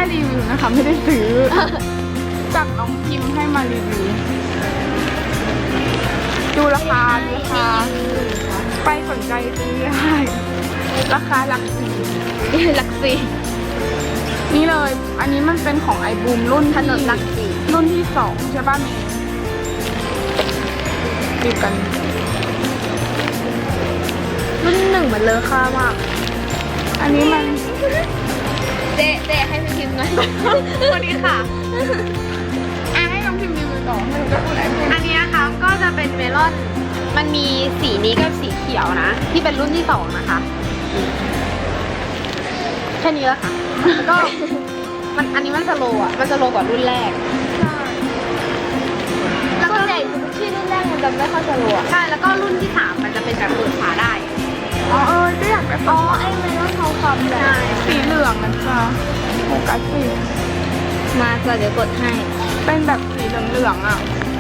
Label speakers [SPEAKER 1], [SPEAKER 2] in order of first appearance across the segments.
[SPEAKER 1] รีวิวนะคะไม่ได้ซื้อ จากน้องพิมพ์ให้มารีวิวดูราคาไปสนใจซื้อได้ราคาหลักสี่
[SPEAKER 2] หลักสี่
[SPEAKER 1] นี่เลย อันนี้มันเป็นของไอบูมรุ่น
[SPEAKER 2] ถนนหลักสี่
[SPEAKER 1] รุ่นที่2ใช่ป่ะเมย์ดูกัน
[SPEAKER 2] รุ่นหนึ่งมันเลอะค่ามาก
[SPEAKER 1] อันนี้มัน
[SPEAKER 2] เจ๊ให้พี่พิมพ์หน่อยสวัสดีค่ะ
[SPEAKER 1] ให้น้องพิมพ์รีวิวต่อไม่รู้จะพูดอะไรพูด
[SPEAKER 2] อันนี้นะคะก็จะเป็นเมลอน มันมีสีนี้กับสีเขียวนะ ที่เป็นรุ่นที่สองนะคะ แค่นี้แล้วค่ะแล้วก็อันนี้มันสโลว์อ่ะ มันสโลว์กว่ารุ่นแรก แล้วก็ใหญ่ที่รุ่นแรกมันจะไม่ค่อยสโลว์อ่ะ ใช่ แล้วก็รุ่นที่3มันจะเป็นแบบเปิดฝาได้
[SPEAKER 1] อ๋อก็อยากได้
[SPEAKER 2] อ๋อ ไอ้เมลอนทองคำเลย
[SPEAKER 1] สีเหลืองนะจ๊ะโฟกัสสี
[SPEAKER 2] มาจะเดี๋ยวกดให้
[SPEAKER 1] เป็นแบบสีเหลืองๆอ่ะ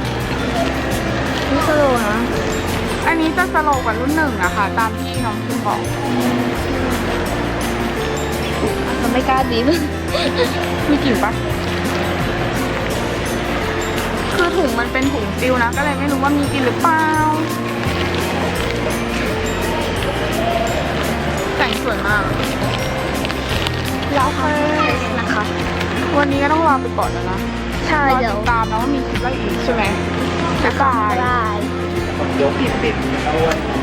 [SPEAKER 2] นี่สโลว์นะ
[SPEAKER 1] อันนี้จะสโลว์กว่ารุ่น1อะค่ะ ตามที่น้องพิมพ์บอก
[SPEAKER 2] มันไม่กล้าบีบ
[SPEAKER 1] มีกลิ่นปะคือถุงมันเป็นถุงซิลนะ ก็เลยไม่รู้ว่ามีกลิ่นหรือเปล่าแต่งสวยมาก
[SPEAKER 2] แล้วค่ะนะคะ
[SPEAKER 1] วันนี้ก็ต้องรอไปก่อนแล้วนะ
[SPEAKER 2] ใช่
[SPEAKER 1] รอ
[SPEAKER 2] เดี๋ยว
[SPEAKER 1] ติดตามนะว่ามีคลิปอะไรอีกใช่ไหมบ๊ายบาย
[SPEAKER 2] ได้
[SPEAKER 1] ปิด